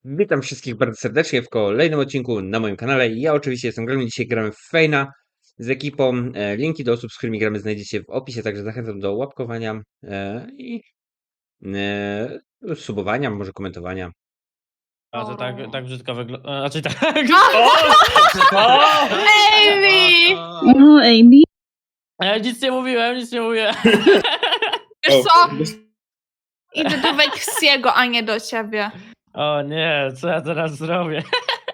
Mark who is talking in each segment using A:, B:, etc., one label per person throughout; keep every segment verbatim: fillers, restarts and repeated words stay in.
A: Witam wszystkich bardzo serdecznie w kolejnym odcinku na moim kanale. Ja oczywiście jestem Gremlin, dzisiaj gramy w Feina z ekipą. E, linki do osób, z którymi gramy, znajdziecie w opisie, także zachęcam do łapkowania e, i e, subowania, może komentowania.
B: A to tak,
C: O.
B: tak brzydko wygląda. Znaczy tak. O! O!
C: Amy!
D: No, Amy.
B: Ja nic nie mówiłem, nic nie mówiłem.
C: Wiesz
D: O,
C: co? Idę do Weksiego, a nie do ciebie.
B: O nie, co ja teraz zrobię?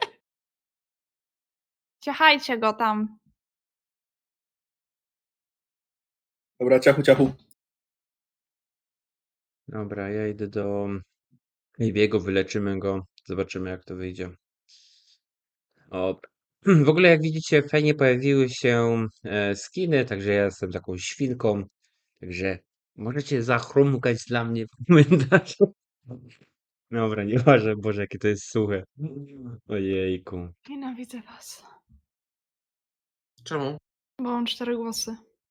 C: Ciechajcie go tam.
D: Dobra, ciachu, ciachu.
A: Dobra, ja idę do Aviego, wyleczymy go, zobaczymy jak to wyjdzie. Dobra. W ogóle jak widzicie, w Feinie pojawiły się e, skiny, także ja jestem taką świnką, także możecie zachrumkać dla mnie w komentarzu. Dobra, nieważne, Boże, jakie to jest suche. Ojejku.
C: Nienawidzę was.
E: Czemu?
C: Bo mam cztery głosy.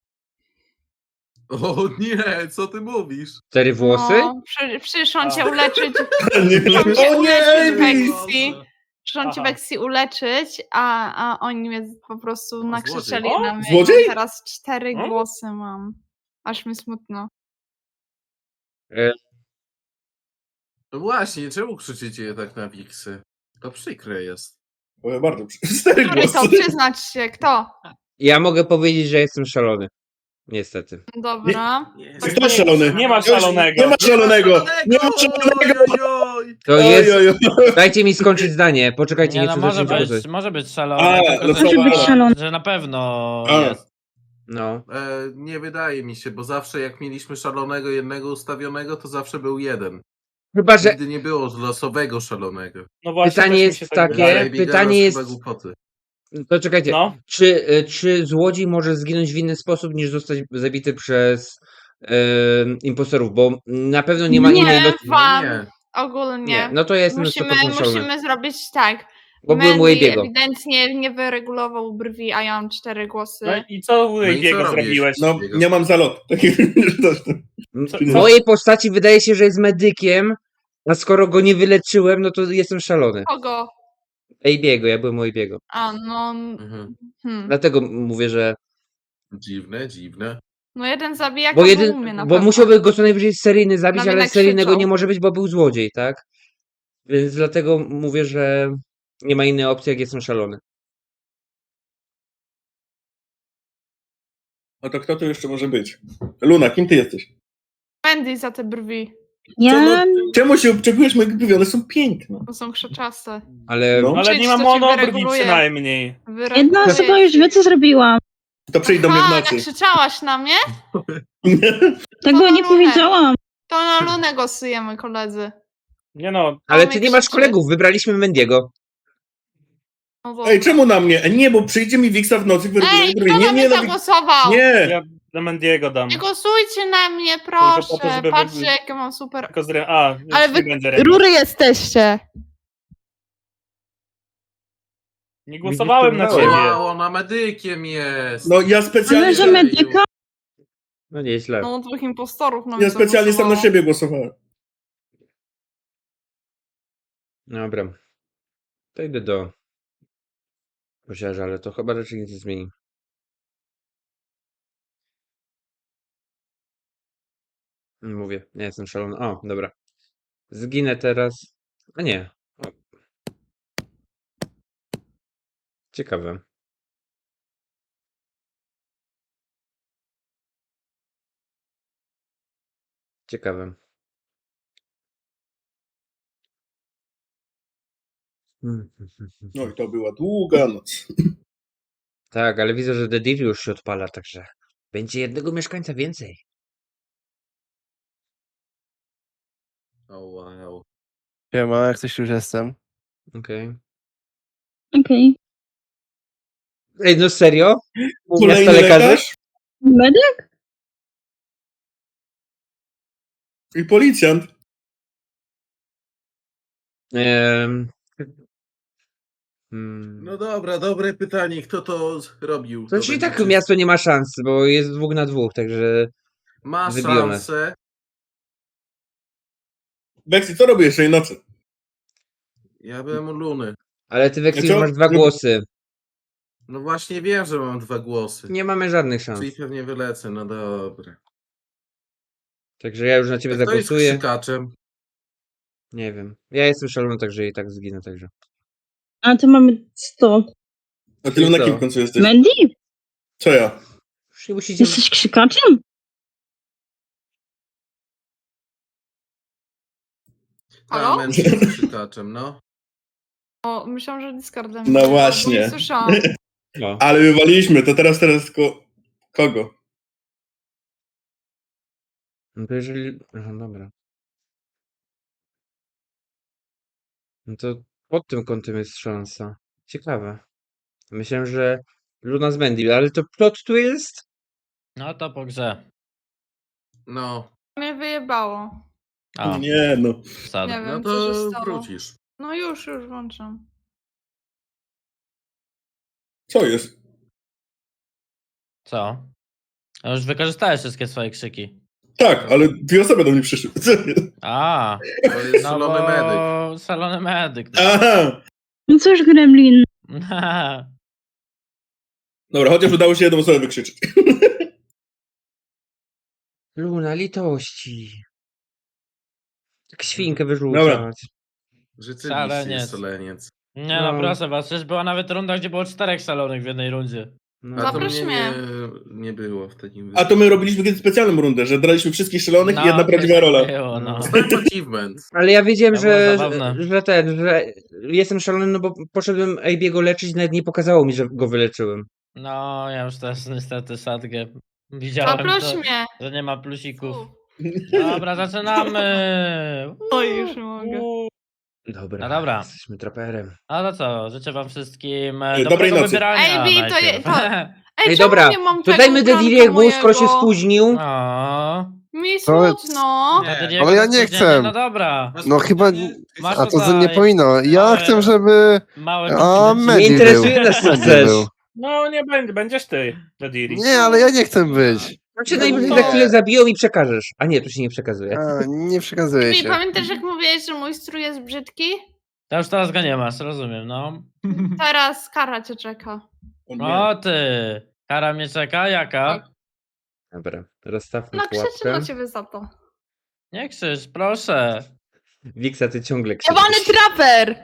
E: O nie, co ty mówisz?
A: Cztery włosy?
C: No, przy, przyszłam
B: A.
C: cię uleczyć.
D: Nie,
C: Przyszłam cię
D: o nie,
C: uleczyć
D: Amy!
C: Weksi. Przyszłam cię
B: Aha.
C: Weksi uleczyć, a, a oni mnie po prostu
E: O,
C: nakrzyczeli
E: złodziej.
C: na mnie.
D: Złodziej?
C: I teraz cztery
B: O?
C: głosy mam. Aż mi smutno.
A: E,
E: No właśnie, czemu krzyczycie tak na wiksy? To przykre jest.
D: O, bardzo. Cztery
C: Który to?
D: głosy.
C: Przyznać się, kto?
A: ja mogę powiedzieć, że jestem szalony. Niestety.
C: Dobra.
E: Nie,
D: Kto jest szalony?
B: Nie ma szalonego.
D: Nie ma szalonego. Nie ma szalonego.
E: Oj, oj.
A: To
D: Oj,
A: jest...
D: oj, oj.
A: Dajcie mi skończyć zdanie, poczekajcie,
B: Nie
A: nie
B: no,
A: chcę
B: może
A: zacząć
B: być,
A: głosować.
B: może być szalony.
D: A,
B: tylko
D: no
B: że-
D: to może być
B: że-
D: szalony.
B: Że na pewno
D: A.
B: jest.
A: No.
E: E, nie wydaje mi się, bo zawsze jak mieliśmy szalonego jednego ustawionego, to zawsze był jeden.
A: Chyba, że
E: Nigdy nie było losowego szalonego.
F: No właśnie,
A: Pytanie
F: też mi
A: jest
F: się tak
A: takie-
F: wydaje.
E: Ale Bigala
A: pytanie
E: to
A: jest-
E: chyba głupoty.
A: to czekajcie.
F: No,
A: Czy, y, czy złodziej może zginąć w inny sposób niż zostać zabity przez y, impostorów? Bo na pewno nie ma
C: Nie,
A: innej los...
C: wam.
E: No nie.
C: Ogólnie.
A: Nie, no to ja jestem
C: musimy,
A: sto procent szalony.
C: musimy zrobić tak.
A: Bo byłem u
C: Mandy
A: Abiego.
C: ewidentnie nie wyregulował brwi, a ja mam cztery głosy.
F: no i co u
E: No i co
F: Abiego
E: robisz?
F: zrobiłeś?
D: No, nie mam zalot. Taki coś tam.
F: Co-
A: W mojej postaci wydaje się, że jest medykiem, a skoro go nie wyleczyłem, no to jestem szalony.
C: Kogo?
A: Abiego, ja byłem u Abiego.
C: A, no...
E: Mhm.
C: Hmm.
A: Dlatego mówię, że...
E: Dziwne, dziwne.
C: No jeden zabijaka
A: Bo,
C: był
A: jeden,
C: u mnie na
A: bo
C: pewno.
A: musiałby go co najwyżej seryjny zabić,
C: Na mnie
A: ale seryjnego
C: nakrzyczał.
A: nie może być, bo był złodziej, tak? Więc dlatego mówię, że nie ma innej opcji, jak jestem szalony.
D: No to kto tu jeszcze może być? Luna, kim ty jesteś?
C: Mandy za te brwi,
D: Ja... Czemu się obczekujesz moje brwi? One są piękne.
C: bo są krzaczaste.
A: Ale
D: No.
F: Ale nie ma
C: Czyś to ci
F: monobrwi
C: wyreguluje.
F: przynajmniej.
C: Wyreguluje
D: Jedna osoba już wie, co zrobiłam. To przyjdą mnie w
C: Aha,
D: nocy.
C: nakrzyczałaś na mnie?
D: Tego
C: nie powiedziałam.
D: powiedziałam.
C: To na Lunę głosujemy, koledzy.
F: Nie no,
A: ale
C: On
A: ty
C: mnie
A: nie masz
C: krzyczy.
A: kolegów, wybraliśmy Mendiego.
C: No dobra.
D: Ej, czemu na mnie? E, Nie, bo przyjdzie mi Wiksa w nocy, wyreguluje
C: Ej,
D: brwi.
C: kto
D: Nie,
C: na
D: nie,
C: mnie
D: no,
C: zagłosował?
D: nie.
F: ja na Mendiego dam.
C: Nie głosujcie na mnie,
F: Tylko po to,
C: proszę.
F: żeby
C: Patrzcie,
F: wy-
C: jakie mam super...
F: Tylko zre... A, już
C: Ale
F: nie
C: wy
F: będzie remis.
C: rury jesteście.
F: Nie głosowałem na
A: Widzisz,
F: ciebie.
E: Wow, ona medykiem jest.
D: No ja specjalnie...
E: Ale że medyka?
A: No nieźle.
C: No, dwóch impostorów na mnie
D: Ja specjalnie sam na
C: zagłosowało.
D: siebie głosowałem.
A: Dobra. To idę do posiarza, ale to chyba raczej nic nie zmieni. Mówię, nie jestem szalony. O, dobra. Zginę teraz. A nie. O. Ciekawe. Ciekawe. Hmm.
D: No i to była długa noc.
A: Tak, ale widzę, że The Div już się odpala, także będzie jednego mieszkańca więcej.
E: O wow.
G: Siema, jak coś już jestem.
A: Okej.
D: Okej.
A: Ej, no serio? U
D: Kolejny
A: miasta lekarzy?
D: lekarz
H: Medyk?
D: i policjant.
A: Ehm. Hmm.
E: No dobra, dobre pytanie. Kto to robił?
A: To czyli
E: będzie
A: tak
E: czyst-
A: miasto nie ma szans, bo jest dwóch na dwóch, także
E: Ma
A: wybiją nas.
E: szansę.
D: Weksy, co robisz tej nocy?
E: Ja byłem u Luny.
A: Ale ty, Weksy,
D: co?
A: masz dwa głosy.
E: No właśnie wiem, że mam dwa głosy.
A: Nie mamy żadnych szans.
E: Czyli pewnie wylecę, no dobra.
A: Także ja już na ciebie
E: A kto jest
A: zagłosuję.
E: krzykaczem?
A: Nie wiem. Ja jestem szalony, także i tak zginę, także.
H: A to mamy sto.
D: A ty na
A: co?
D: kim w końcu jesteś?
H: Mandy?
D: Co ja?
A: Już nie musicie...
H: Jesteś krzykaczem?
C: Halo?
E: A, Mandy jest krzykaczem, no.
C: O, myślałam, że Discordem.
D: No
C: bo
D: właśnie.
C: Nie słyszałam.
A: No.
D: Ale wywaliliśmy, to teraz, teraz tylko... Kogo?
A: No to jeżeli... Aha, dobra. No to pod tym kątem jest szansa. Ciekawe. Myślałem, że Luna z Mandy, ale to plot tu jest?
B: No to po grze.
E: No,
C: Mnie wyjebało.
B: O,
D: Nie no.
B: sad.
C: Nie wiem,
E: no
C: co się
E: to
C: stało.
E: wrócisz.
C: No już, już włączam.
D: Co jest?
B: Co? No już wykorzystałeś wszystkie swoje krzyki.
D: Tak, ale dwie osoby do mnie przyszły. Co jest?
B: A,
E: To jest
B: no
E: szalony medyk.
B: bo... Szalony medyk.
D: Aha!
H: No cóż, Gremlin.
D: Dobra, chociaż udało się jedną osobę wykrzyczeć.
A: Luna, litości. Jak świnkę
D: Dobra.
A: wyrzucać.
E: Rzeczywiście
B: Szaleniec.
E: jest szaleniec.
B: Nie no,
A: No.
B: proszę was, przecież była nawet runda, gdzie było czterech szalonych w jednej rundzie.
A: No.
E: A to
C: Zaproś
E: mnie
C: mnie.
E: nie, nie było w takim
D: A to my robiliśmy kiedyś specjalną rundę, że draliśmy wszystkich szalonych
B: No,
D: i jedna
B: coś
D: prawdziwa rola.
B: takiego, no.
E: Dostałem achievement.
A: Ale ja wiedziałem,
B: To było
A: że,
B: zabawne.
A: że ten, że jestem szalony, no bo poszedłem Ejbiego leczyć, nawet nie pokazało mi, że go wyleczyłem.
B: No, ja już też niestety sadgę widziałem,
C: Zaproś
B: to,
C: mnie.
B: że nie ma plusików.
C: U.
B: Dobra, zaczynamy!
C: Oj, już nie mogę.
A: Dobra,
B: No dobra.
A: jesteśmy traperem.
B: No to co, życzę wam wszystkim
D: Ej,
B: e,
D: dobrej
B: dobrego
D: nocy.
B: wybierania
C: Ej, Bi, to je-
B: najpierw.
C: to- Ej,
A: Ej,
C: czemu
A: dobra,
C: nie mam
A: to
C: tego
A: dajmy
C: ubranka
A: Dediriego, skoro się
C: mojego?
A: spóźnił.
B: O,
C: Mi
G: To-
C: smutno.
B: to ty
G: Ale ja nie
B: spóźnienie,
G: chcę.
B: No dobra.
G: No chyba...
B: Masz
G: A to
B: tutaj
G: nie powinno. Ja
B: małe-
G: chcę, żeby...
B: Małe
G: A,
B: komplimenty.
G: Mandy
A: Nie interesuje
G: był.
A: nas, co
G: Mandy
A: chcesz.
G: był.
F: No nie będzie, będziesz ty, Dediri.
G: Nie, ale ja nie chcę być.
A: Znaczy najwyżej
C: No.
A: za chwilę zabiją i przekażesz. A nie, tu się nie przekazuje.
G: A, nie przekazuję
C: Bi,
G: się.
C: pamiętasz jak mówiłeś, że mój strój jest brzydki?
B: To już teraz go nie masz, rozumiem, no.
C: Teraz kara cię czeka.
D: O nie.
B: O ty, kara mnie czeka, jaka?
A: Dobra, rozstawmy
C: No krzyczy
A: pułapkę.
C: na ciebie za to.
B: Nie krzycz, proszę.
A: Wiksa, ty ciągle
C: Jebany
A: krzyczysz.
C: traper!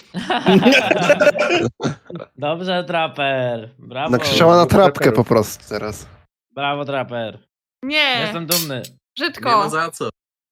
B: Dobrze, traper. Brawo.
G: Nakrzyczała na trapkę
A: traperów.
G: po prostu teraz.
B: Brawo, traper.
C: Nie,
B: Jestem dumny.
E: Nie ma
C: brzydko.
E: za co.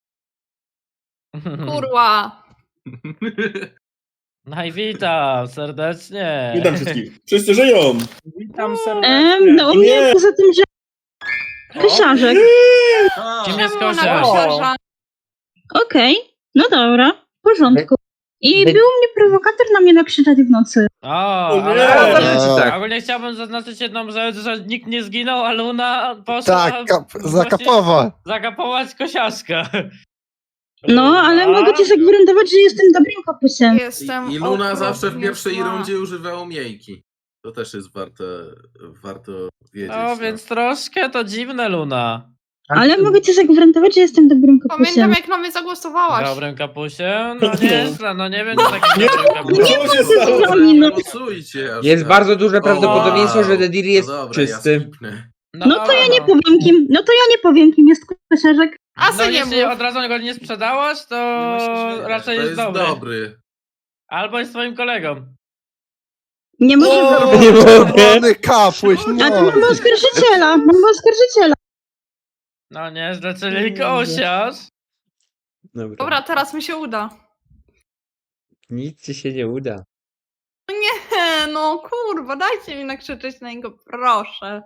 C: Kurwa.
B: No i witam serdecznie.
D: Witam wszystkich. Wszyscy żyją.
F: Witam serdecznie.
H: Em, no u mnie
D: Nie.
H: poza tym, że... Kosiarzek.
B: Kim jest
C: Czemu na
B: kosiarz?
C: kosiarza?
H: Okej, no dobra, w porządku. I
A: Be-
H: był mnie prowokator na mnie nakrzyczać w nocy.
B: O,
D: O nie.
B: ale
A: A,
B: ogólnie,
A: znaczy tak.
B: ogólnie chciałbym zaznaczyć jedną rzecz, że nikt nie zginął, a Luna poszła
G: Tak, kap,
B: właśnie
G: zakapowa.
B: zakapować kosiarzka.
H: No, ale mogę ci zagwarantować, że jestem dobrym kapusem.
C: Jestem
E: I, I Luna
C: okropnie
E: zawsze w pierwszej
C: zła.
E: rundzie używa umiejki. To też jest warte, warto wiedzieć.
B: No więc troszkę to dziwne, Luna.
H: Ale mogę ci zagwarantować, że jestem dobrym kapusem.
C: Pamiętam jak na mnie zagłosowałaś.
B: Dobrym kapusie? No nieźle, no nie wiem, czy takim
D: Nie,
B: dobrym kapusie.
D: Co się stało?
H: No.
E: Głosujcie aż
A: Jest
E: tak.
A: bardzo duże prawdopodobieństwo,
E: Wow.
A: że Dediri jest
E: No dobra,
A: czysty.
E: Ja skipnę.
H: No to ja nie powiem kim, no to ja nie powiem kim jest kosiarzek.
C: A
B: No
C: se nie
B: jeśli
C: mów.
B: od razu go nie sprzedałaś, to raczej
E: To
B: jest
E: jest
B: dobry.
E: dobry.
B: Albo jest twoim kolegą.
H: Nie mogę
G: O,
H: zrobić.
A: Nie mogę.
G: czerwony kapuś,
H: A to
G: no.
H: mamy oskarżyciela, mamy oskarżyciela.
B: No nieźle, czyli kosiarz.
A: Dobra.
C: Dobra, teraz mi się uda.
A: Nic ci się nie uda.
C: Nie, no kurwa, dajcie mi nakrzyczeć na niego, proszę.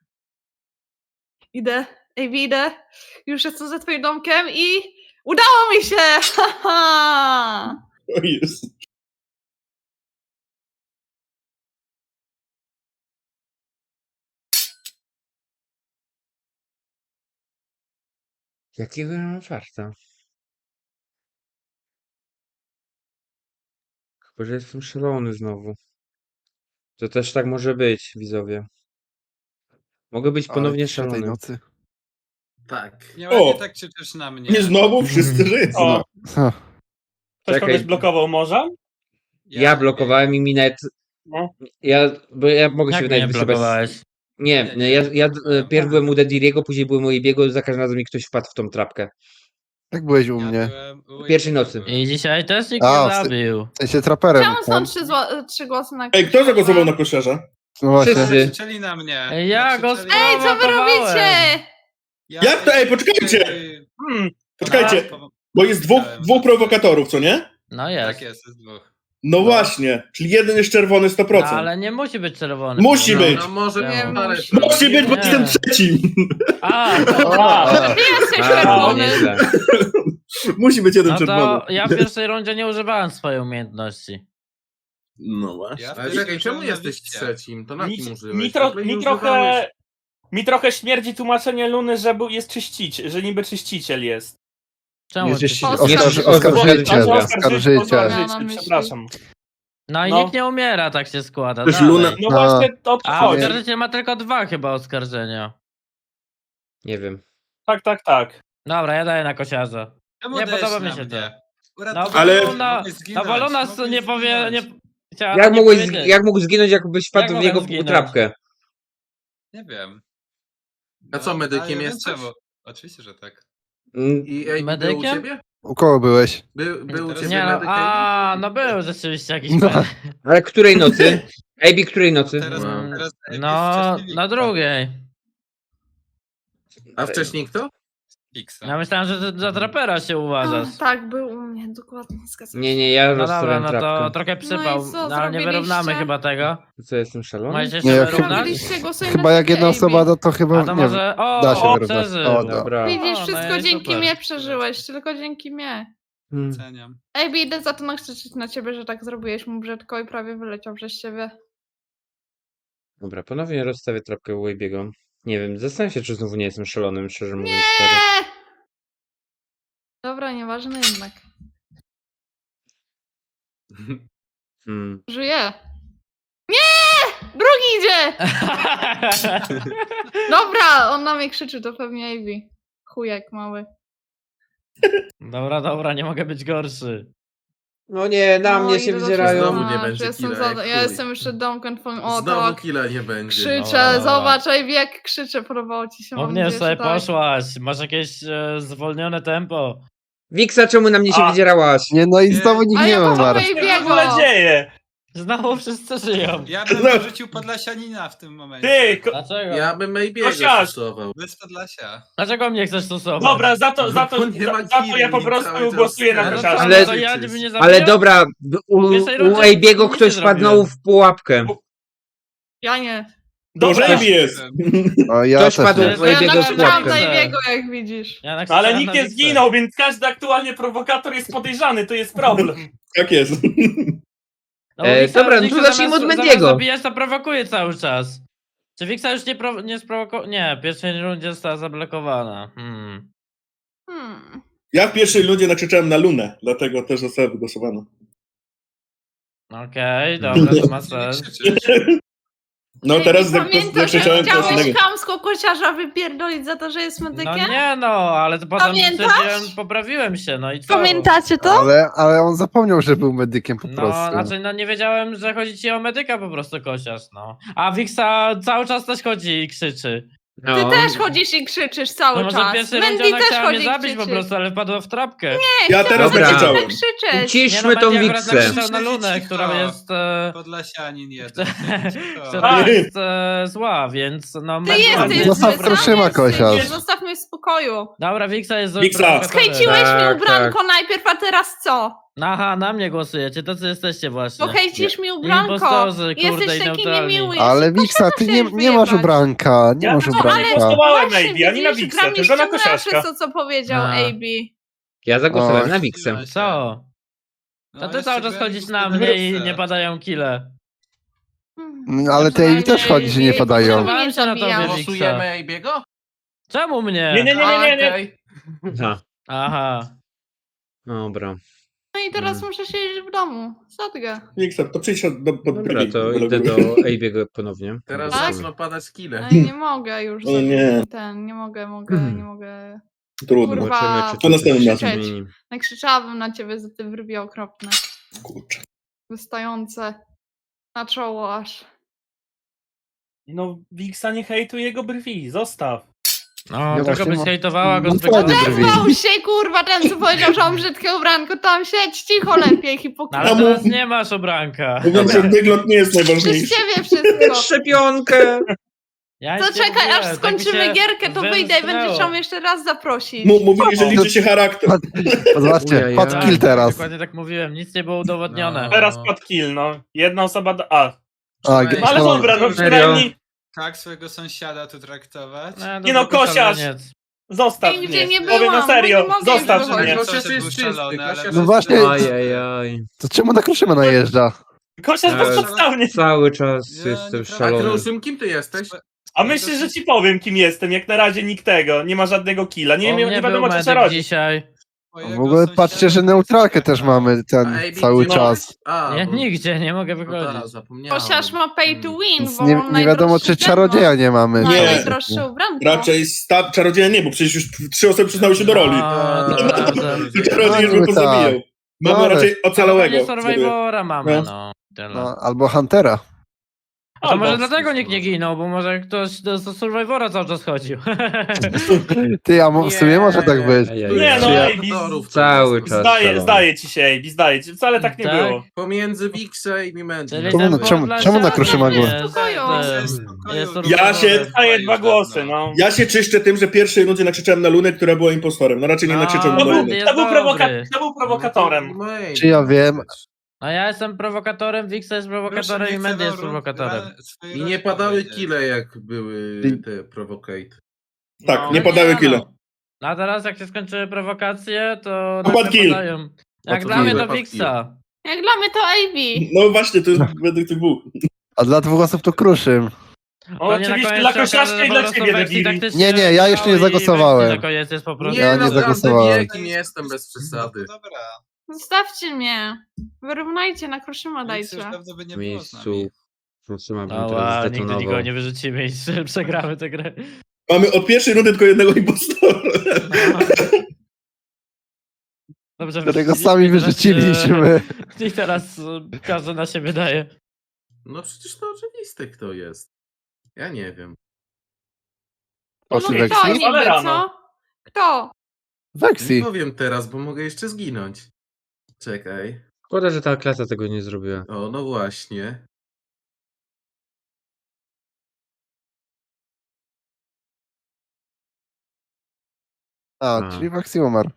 C: Idę, ej, idę. Już jestem za twoim domkiem i udało mi się! Haha!
D: O jest.
A: Jakiego ja mam farta? Chyba, że jestem szalony znowu. To też tak może być, widzowie. Mogę być
G: Ale
A: ponownie
G: cisza tej
A: szalony.
G: nocy.
E: Tak.
I: Nie
D: O!
I: ładnie tak krzyczysz na mnie.
D: Nie znowu wszyscy żyją.
F: O,
G: Ha.
F: ktoś
A: Czekaj.
F: kogoś blokował może?
A: Ja blokowałem i mi nawet...
F: No.
A: Ja, bo ja mogę się
B: Jak
A: wydaje
B: mnie
A: wysypać...
B: blokowałeś?
A: Nie,
I: Nie,
A: nie,
I: nie,
A: ja,
I: nie
A: ja
I: blokowałem.
A: pierw byłem u Dediriego, później byłem u Ebiego, za każdym razem mi ktoś wpadł w tą trapkę.
G: Jak byłeś u
I: Ja
G: mnie?
I: byłem u
A: Pierwszej
I: Ebiego
A: nocy.
I: byłem.
B: I dzisiaj też nikt
G: A,
B: nie
G: w-
B: zabił.
G: W sensie traperem.
C: Czemu są
G: tam.
C: trzy, zło- trzy głosy na
D: Ej, kto zagłosował na kosiarza?
G: No właśnie.
A: Wszyscy.
I: Krzyczeli na mnie.
B: Ej, ja go
I: Krzyczeli-
C: Ej, co wy
B: Prowokowałem.
C: robicie?
I: Ja-
D: Jak to? Ej, poczekajcie!
F: Hmm.
D: Poczekajcie,
I: Tak, po-
D: bo jest dwóch,
I: Dałem.
D: dwóch prowokatorów, co nie?
B: No jest.
I: Tak jest, jest dwóch.
D: No właśnie, czyli jeden jest czerwony sto
B: No,
D: procent.
B: ale nie musi być czerwony.
D: Musi
B: no,
D: być.
E: No może
B: Nie
E: nie, ale...
C: musi.
D: Musi być, bo
B: Nie.
D: jestem trzecim.
B: A,
F: A,
C: Ty jesteś
F: A,
A: O,
C: czerwony.
A: nieźle.
D: Musi być jeden
B: no
D: czerwony.
B: to ja w pierwszej rundzie nie używałem swojej umiejętności.
D: No właśnie.
I: Ja
E: Ale
I: wtedy
E: czekaj, czemu
I: byłem na
E: jesteś
I: Wiksie.
E: trzecim? To na
F: mi,
E: kim użyłeś?
F: mi,
E: W
F: tro,
E: ogóle nie
F: mi, trochę,
E: używałeś.
F: mi trochę śmierdzi tłumaczenie Luny, że był, jest czyścić, że niby czyściciel jest.
B: Czemu?
G: Jest
B: ty-
G: jeśli
C: Oskarży-
G: oskarży,
A: Oskarży-
G: oskarżyciel.
A: Oskarży-
G: Oskarżyciel.
F: Oskarżyciel, przepraszam.
B: No i
F: No.
B: nikt nie umiera, tak się składa.
D: Też
B: dalej.
D: Luna-
F: No
G: A.
F: właśnie o to
B: A
F: chodzi.
B: oskarżyciel ma tylko dwa chyba oskarżenia.
A: Nie wiem.
F: Tak, tak, tak.
B: Dobra, ja daję na kosiarza.
I: Czemu
B: Nie
I: dajesz
B: podoba mi
I: na
B: się
I: mnie?
B: No
I: Uratowałem
B: bo
D: Ale-
I: cię,
B: Luna,
I: mogłeś
B: no
I: zginąć,
B: bo Luna
I: mogłeś
B: nie powie... Nie,
I: zginąć.
B: chciała
A: Jak
B: nie
A: mogłeś,
B: powiedzieć.
A: jak mógł zginąć, jakbyś wpadł
B: Jak
A: w jego
B: mogłem zginąć?
A: trapkę?
I: Nie wiem.
E: A co,
I: No,
E: medykiem
I: ale wiem
E: jesteś?
I: czemu. Oczywiście, że tak.
A: Mm,
E: I ej, był u
B: Medykiem?
E: ciebie?
G: U kogo byłeś?
E: Był, był u
I: Teraz-
E: ciebie
B: Nie no,
E: medyk?
B: a no był rzeczywiście jakiś
G: No.
B: no.
A: Ale której nocy? Ejbi, której nocy?
I: Teraz,
E: No.
I: teraz
B: No,
I: wcześniej
B: na
I: Wiksa.
B: drugiej.
E: A wcześniej kto?
I: Wiksa.
B: Ja myślałem, że ty za trapera się uważasz.
C: Ach, tak, był u mnie, dokładnie. Zgadzam
A: Nie,
C: się.
A: nie, ja
B: No dobra,
A: rozstawiam
B: no to
A: trapkę.
B: trochę przypał,
C: No i co
B: no, ale nie
C: zrobiliście?
B: wyrównamy chyba tego.
A: Co, jestem szalony?
B: Możecie
G: Nie,
B: się
G: jak-
B: wyrównać?
C: Robiliście głosy
G: Chyba jak jedna osoba, no to chyba
B: A to
G: nie wiem.
B: może... O,
G: Da się
B: o
G: wyrównać.
B: przeżył.
G: O, da.
A: Dobra.
C: Widzisz,
B: O, no
C: wszystko
B: i
C: dzięki
B: super.
C: mnie przeżyłeś, tylko dzięki mnie.
A: Hmm.
I: Oceniam.
C: Ej, idę za to nakrzyczeć na ciebie, że tak zrobiłeś mu brzydko i prawie wyleciał przez ciebie.
A: Dobra, ponownie rozstawię trapkę u Ejbiego. Nie wiem, zastanawiam się, czy znowu nie jestem szalonym, szczerze mówiąc. teraz.
C: Nie! Dobra, nieważne jednak.
A: Hmm.
C: Żyję. Nie! Drugi idzie! Dobra, on na mnie krzyczy, to pewnie Ivy. Chujek mały.
B: Dobra, dobra, nie mogę być gorszy.
A: No nie, na
C: No,
A: mnie się
C: idę do
A: wydzierają.
E: Znowu
C: ciebie.
E: nie
C: A,
E: będzie
C: że jestem
E: killa,
C: za...
E: jak
C: Ja
E: chuj.
C: jestem jeszcze domkiem twoim. O,
E: Znowu
C: tak.
E: killa nie będzie.
C: Krzyczę,
B: Dobra, dobra.
C: zobacz, Ivy, jak krzyczę, podobało ci się. mam
B: Pewnie
C: nadzieję,
B: sobie
C: że tak.
B: poszłaś, masz jakieś e, zwolnione tempo.
A: Wiksa, czemu na mnie się
F: A.
A: wydzierałaś?
G: Nie, no i
I: Nie.
G: znowu nikt
C: A
G: nie
C: ja
G: umarł.
C: potem
F: Co się w ogóle
C: Ejbiego.
F: dzieje?
B: Znowu wszyscy żyją.
I: Ja bym
D: No.
I: wyrzucił Podlasianina w tym momencie.
F: Ty, ko-
B: Dlaczego?
E: Ja bym Maybiego
F: Kosiarz!
E: stosował.
I: Bez Podlasia.
B: Dlaczego mnie chcesz stosować?
F: dobra, za to, za to,
E: No nie ma
F: za, za to
E: killi,
F: ja po
E: cały
F: prostu
E: czas
F: głosuję na
B: No
E: ten.
B: to
F: kosiarza.
B: co,
A: Ale-
B: no to ja mnie nie zabiję?
A: Ale dobra, b- u,
B: pierwszej
A: u
B: rundzie
A: Ejbiego
B: nic nie
A: ktoś wpadł
B: zrobiłem.
A: znowu w pułapkę.
C: Ja nie.
D: To
F: Dobra,
D: Ejbi jest.
G: O, ja
A: Ktoś
G: też
A: padł
G: nie.
B: nie.
A: w
C: Bo ja
A: Ejbiego z
C: nakrzyczałam
A: pułapkę.
C: na Ivego, jak widzisz.
B: Ja
F: ale
B: nakrzyczałem
F: nikt
B: na
F: nie
B: Wiksę.
F: zginął, więc każdy aktualnie prowokator jest podejrzany, to jest problem.
D: Tak jest.
B: No, bo
A: E,
B: Wiksa-
A: dobra, no to
B: Wiksa
A: zacznijmy
B: zamiast-
A: od Mendiego.
B: Zamiast zabijać, to prowokuje cały czas. Czy Wiksa już nie, pro, nie sprowokował? Nie, w pierwszej rundzie została zablokowana. Hmm.
C: Hmm.
D: Ja w pierwszej ludzie nakrzyczałem na Lunę, dlatego też została wygłosowana.
B: Okej, dobra, to ma
I: Nie
B: sens.
I: krzyczysz.
D: No
C: Ej,
D: teraz
C: ty
D: zak-
C: pamiętasz,
D: zakrzyczałem
C: jak
D: coś
C: chciałeś
D: innego.
C: chamsko kociarza wypierdolić za to, że jest
B: No
C: medykiem?
B: nie no, ale to potem
C: Pamiętasz?
B: stwierdziłem, poprawiłem się, no i co?
C: Pamiętacie to?
G: Ale, ale on zapomniał, że był medykiem po
B: No,
G: prostu.
B: znaczy no nie wiedziałem, że chodzi ci o medyka po prostu kosiarz, no. A Wiksa cały czas też chodzi i krzyczy.
C: Ty
A: No.
C: też chodzisz i krzyczysz cały
B: No może w
C: czas.
B: pierwszej rundzie
C: Mendy
B: ona
C: też
B: chciała mnie
C: chodzi i
B: zabić po
C: krzyczy.
B: prostu, ale wpadła w trapkę.
D: Ja teraz
A: Dobra.
D: nakrzyczałem.
C: Tak krzyczeć.
A: Uciszmy
B: Nie, no,
A: tą
B: Mendy akurat
A: Wiksę.
B: nakrzyczał na Lunę,
I: Cicho.
B: która jest... E,
I: Podlasianin jeden.
B: która
D: Tak.
B: jest e, zła, więc no...
C: Ty
B: Mendy-
C: jesteś
G: Zostaw
C: zły,
G: Kruszyma,
C: sam jesteś
G: kosiarz.
C: zły, Zostaw mnie w spokoju.
B: Dobra, Wiksa jest złym
D: Wiksa.
B: prowokatorem.
C: Hejciłeś
A: Tak,
C: mi ubranko najpierw, a teraz co?
B: Aha, na mnie głosujecie, to co jesteście właśnie.
C: Bo hejcisz mi ubranko.
B: Impostorzy, kurde,
C: Jesteś
B: i
C: taki
B: neutralni.
C: niemiły.
G: Ale Wiksa, ty nie, nie masz ubranka, nie
F: Ja
G: masz
F: to
G: ubranka.
F: głosowałem na
C: Właśnie,
F: Ejbi, ani na
C: widzisz,
F: Wiksę,
C: gra mnie
F: tylko na
C: ściągnęła
F: kosiarza.
C: przez to, co powiedział
B: A.
C: A B.
A: Ja zagłosowałem
G: O.
A: na Wiksę.
B: Co? To ty cały czas chodzisz na mnie i nie padają kile.
G: Mm, Ale te Ejbi też chodzi, że nie padają.
B: Głosowałem się na tobie,
C: zabijam.
B: Wiksa.
E: Głosujemy Ejbiego?
B: Czemu mnie?
F: Nie, nie, nie, nie, nie, nie.
E: Okej.
A: Aha,
B: Aha.
A: dobra.
C: No i teraz
A: Mm.
C: muszę siedzieć w domu. Sadgę.
D: Wiksa, to przyjdź do, pod
A: Dobra,
D: brwi.
A: to idę do Ejbiego ponownie.
E: Teraz
C: Tak?
E: zaczną padać kile.
C: Ale nie mogę już.
D: O
C: za-
D: nie.
C: Ten, nie mogę, mogę,
A: Mhm.
C: nie mogę.
D: Trudno.
C: Kurwa.
A: Zobaczymy, czy
D: To następnym
A: coś się
D: razem.
A: zmieni.
C: Nakrzyczałabym na ciebie za te wyrwie okropne.
D: Kurczę.
C: wystające na czoło aż.
F: No, Wiksa nie hejtuje jego brwi, zostaw.
B: No,
G: Ja
B: tylko
G: właśnie
B: byś
G: mam-
B: hejtowała go
G: mam
B: zwykle.
G: fajne brwi.
C: Odezwał się, kurwa, ten co powiedział, że mam brzydkie ubranko, tam siedź cicho lepiej,
B: No,
C: hipokryta.
B: ale teraz nie masz obranka.
D: Mówiąc, że wygląd nie jest
C: Przez
D: najważniejszy.
C: ciebie wszystko.
A: Szczepionkę!
B: Ja
C: To
B: nic nie
C: czekaj,
B: mówiłem,
C: aż
B: tak mi
C: skończymy
B: się
C: gierkę, to wyjdę i
B: wymknęło.
C: będziesz chciał mnie jeszcze raz zaprosić.
D: M- Mówili, że liczy się charakter.
G: Zobaczcie,
A: Ujajaj.
G: pod kill teraz.
B: Dokładnie tak mówiłem, nic nie było udowodnione.
I: No.
F: Teraz pod kill, no. Jedna osoba da... A,
G: A,
I: No,
F: no ale
G: no,
F: dobra, no
A: Serio?
F: przynajmniej
I: Tak swojego sąsiada tu traktować?
F: Nie no,
B: zwykły
F: kosiarz!
B: szaleniec.
F: zostaw
C: Nigdzie
F: mnie.
C: nie
F: Powiem
C: byłam,
F: na serio,
C: bo nie mogę
F: zostaw
C: już
F: mnie.
C: wychodzić.
E: Kosiarz
I: Kosiarz
E: jest
I: był
E: czysty,
I: szalony, ale-
E: Kosiarz
G: No
E: jest
G: właśnie-
E: czysty.
A: Ajajaj.
G: To czemu na kruszymy najeżdża?
F: Kosiarz
A: Eee,
F: bezpodstawnie.
A: Cały czas
I: Ja
A: jestem
I: nie-
E: A
A: szalony.
E: Kruszym, kim ty jesteś?
F: A myślisz, że ci powiem, kim jestem. Jak na razie nikt tego. Nie ma żadnego killa. Nie,
B: On
F: nie,
B: nie
F: nie
B: był
F: wiadomo, co
B: medyk
F: trzeba robić.
B: dzisiaj.
G: W ogóle patrzcie, że neutralkę też mamy ten
E: A, A B,
G: cały
E: gdzie
G: czas.
E: jesteś? A,
B: Nie,
E: bo-
B: nigdzie, nie mogę
E: no tak,
B: wychodzić.
E: zapomniałem.
C: Chociaż ma pay to win,
G: Więc
C: bo
G: nie,
C: mam
G: nie wiadomo,
C: najdroższy
G: czy
C: ten
G: czarodzieja nie mamy.
C: Ma
D: Nie.
C: najdroższe ubranko.
D: Raczej sta- czarodzieja nie, bo przecież już trzy osoby przyznały się do roli.
B: No, to prawda.
D: Czarodziej już by
G: No,
D: pozabijał.
G: tak.
D: Mamy
G: No, ale-
D: raczej ocalałego.
B: Nie Survivora mamy,
D: No.
B: no. Tyle.
G: No, albo Huntera.
B: A to może
F: Albo-
B: dlatego nikt nie ginął, bo może ktoś do, do Survivora cały czas chodził.
G: Ty, a mo- w sumie może tak być.
A: Ajajaj.
F: Nie no,
G: Czy ja-
F: ej, Biz,
E: Aktorów,
A: Cały
E: to-
A: czas.
F: zdaje,
A: szalony.
F: zdaje ci się, ej, zdaje ci. Wcale tak nie
B: Tak?
F: było.
E: Pomiędzy Wixę i Mimenty.
B: Czyli
G: Czemu
B: ten
G: na- czemu-
B: Borderlands
G: czemu na
B: się
G: kruszy
B: nie
G: magły?
B: jest,
C: Spokoju.
B: ten,
I: Jest spokoju.
B: jest
D: Ja się-
B: Survivor.
F: Daje dwa głosy, no.
D: Ja się czyszczę tym, że w pierwszej rundzie nakrzyczałem na Lunę, która była impostorem. No raczej nie
B: No,
D: nakrzyczałem
F: To
D: na
F: był,
D: Lunę.
B: jest
F: to był, prowoka
B: dobry.
F: to był prowokatorem.
G: Czy ja wiem?
B: A ja jestem prowokatorem, Wixa jest prowokatorem i Mendy jest prowokatorem.
E: I nie padały kile, jak były te provocate.
D: Tak,
F: No.
D: nie
B: No
D: padały
B: no.
D: kile.
B: A teraz jak się skończyły prowokacje, to
D: Padł
B: nagle
D: kill.
B: padają. Jak
E: to
B: dla mnie
E: kill.
B: to Wixa.
C: Jak dla mnie to A B.
D: No właśnie, to jest według tych dwóch.
G: A dla dwóch osób to kruszym.
F: O,
B: Pewnie na
F: oczywiście
B: koniec
F: dla
B: się okaże,
F: kosiarza
B: że
F: i
B: po
F: dla
B: prostu
F: ciebie,
B: wersji
F: debili.
B: taktycznie
G: Nie, nie, ja jeszcze nie
B: grały i
G: zagłosowałem.
B: wersji Na koniec jest po prostu.
E: Nie,
G: Ja
E: no,
G: nie zagłosowałem.
E: Jakim jestem bez przesady.
I: Dobra.
C: Zostawcie mnie. Wyrównajcie, na kruszyma
I: Nic
C: dajcie.
I: już dawno by nie
A: W
I: było z nami.
A: miejscu. Truszyma bym
B: No
A: teraz
B: ła, nigdy
A: zdetonował.
B: nikogo nie wyrzucimy i przegramy tę grę.
D: Mamy od pierwszej rundy tylko jednego impostora.
B: No. Dobrze,
G: Którego
B: wyrzuciliśmy
G: sami
B: i teraz,
G: wyrzuciliśmy.
B: e, I teraz e, każdy na siebie daje.
E: No przecież to oczywiste, kto jest. Ja nie wiem.
C: No
G: Poszli
C: kto
G: Vexi?
C: niby,
F: Ale
C: co?
F: rano.
C: Kto?
E: Nie
G: Vexi.
E: powiem teraz, bo mogę jeszcze zginąć. Czekaj.
A: Szkoda, że ta klasa tego nie zrobiła.
E: O, no właśnie.
G: A,
A: A.
G: czyli Vexi umarł.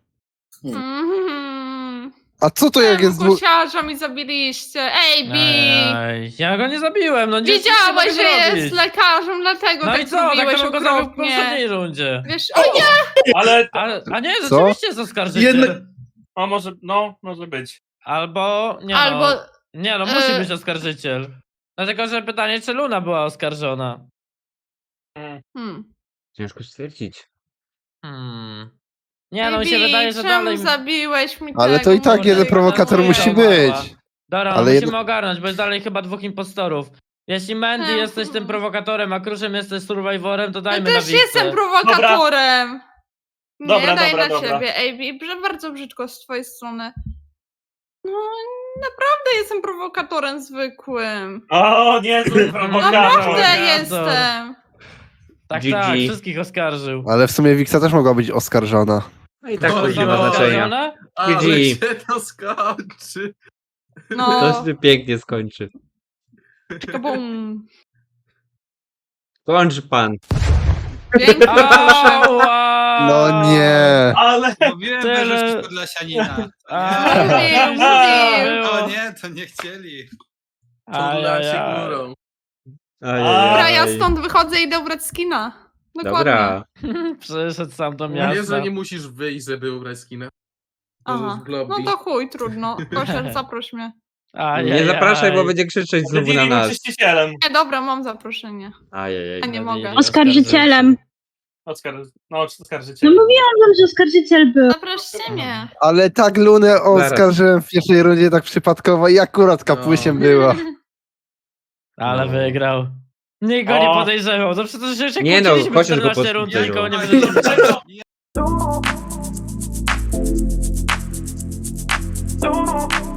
C: Mhm.
G: A co to jak jest dwóch...
C: Kosiarza mi zabiliście. A B.
B: Ej, ja go nie zabiłem, no nie
C: Wiedziałeś,
B: nic
C: że
B: nie mogę
C: jest
B: zrobić.
C: lekarzem, dlatego
B: No
C: tak
B: i co, tak
C: zrobiłeś
B: to bym go zabił w
C: okropnie.
B: poprzedniej rundzie.
C: Wiesz, o nie!
F: Ale,
B: A, a nie,
G: Co?
B: rzeczywiście jest oskarżyciel.
D: Jednak-
F: o może, no, może być.
B: Albo, nie
C: Albo...
B: no, nie no, musi
C: e-
B: być oskarżyciel. Dlatego, że pytanie, czy Luna była oskarżona.
C: Hmm.
A: Ciężko stwierdzić.
B: Hmm. Nie no, mi się
C: Bibi,
B: wydaje, że
C: czemu
B: dalej...
C: zabiłeś mi
G: Ale
C: tego?
G: to i tak
B: Może
G: jeden
B: i
G: prowokator
B: tak
G: musi
B: umarła.
G: być.
B: Dobra, no
G: Ale
B: musimy
G: jedno-
B: ogarnąć, bo jest dalej chyba dwóch impostorów. Jeśli Mandy
C: Hmm.
B: jesteś tym prowokatorem, a Kruszem jesteś survivorem, to
C: Ja
B: dajmy na
C: też
B: Wixę.
C: jestem prowokatorem. Nie,
F: Dobra,
C: daj
F: dobra,
C: na
F: dobra.
C: siebie, A B. Brze- Bardzo brzydko z twojej strony. No, naprawdę jestem prowokatorem zwykłym.
F: O, niezły prowokator.
C: Naprawdę
B: Prowokator.
C: jestem.
B: Tak,
A: G G.
B: tak, wszystkich oskarżył.
G: Ale w sumie Wixa też mogła być oskarżona.
A: No i tak
E: No,
A: to nie
E: no,
A: ma znaczenia.
B: oskarżona?
E: Ale
A: G G.
E: się to skończy.
C: No,
A: To się pięknie skończy.
C: kabum.
A: Kończ pan.
C: Pięknie, proszę.
B: Ała!
G: No nie.
F: Ale,
I: Mówiłem,
B: Tyle-
I: wyrzucić Podlasianina. To
B: A,
I: nie.
C: Mówił, mówił.
B: było.
I: O nie, to nie chcieli.
E: Turla się
B: Ajajaj.
E: górą.
C: Dobra, ja
A: Ajajaj.
C: stąd wychodzę i idę ubrać skina. Dokładnie.
A: Dobra.
B: Przyszedł sam do
E: Nie,
B: miasta.
E: że nie musisz wyjść, żeby ubrać skinę.
C: Aha.
E: W lobby.
C: No to chuj, trudno. Kosiarz, zaproś mnie.
B: Ajajaj.
A: Nie zapraszaj, bo będzie krzyczeć znowu na
F: Debili był
A: nas.
F: czyścicielem.
C: Nie, dobra, mam zaproszenie.
A: Ajajaj.
C: A nie mogę.
H: Oskarżycielem.
F: Oskar, no,
H: No
F: oskarżyciel.
H: mówiłam wam, że oskarżyciel był.
C: Zaproście mnie.
G: Ale tak Lunę oskarżyłem w pierwszej rundzie tak przypadkowo i akurat kapusiem była.
B: Ale
A: No.
B: wygrał. Nikt go
F: O.
B: nie podejrzewał. To przecież się
A: Nie no,
B: kłóciliśmy
A: chociaż go
B: czternaście rund,
A: podejrzewał.
B: nikogo nie wyrzuciliśmy.
F: Dlaczego?
I: Ja-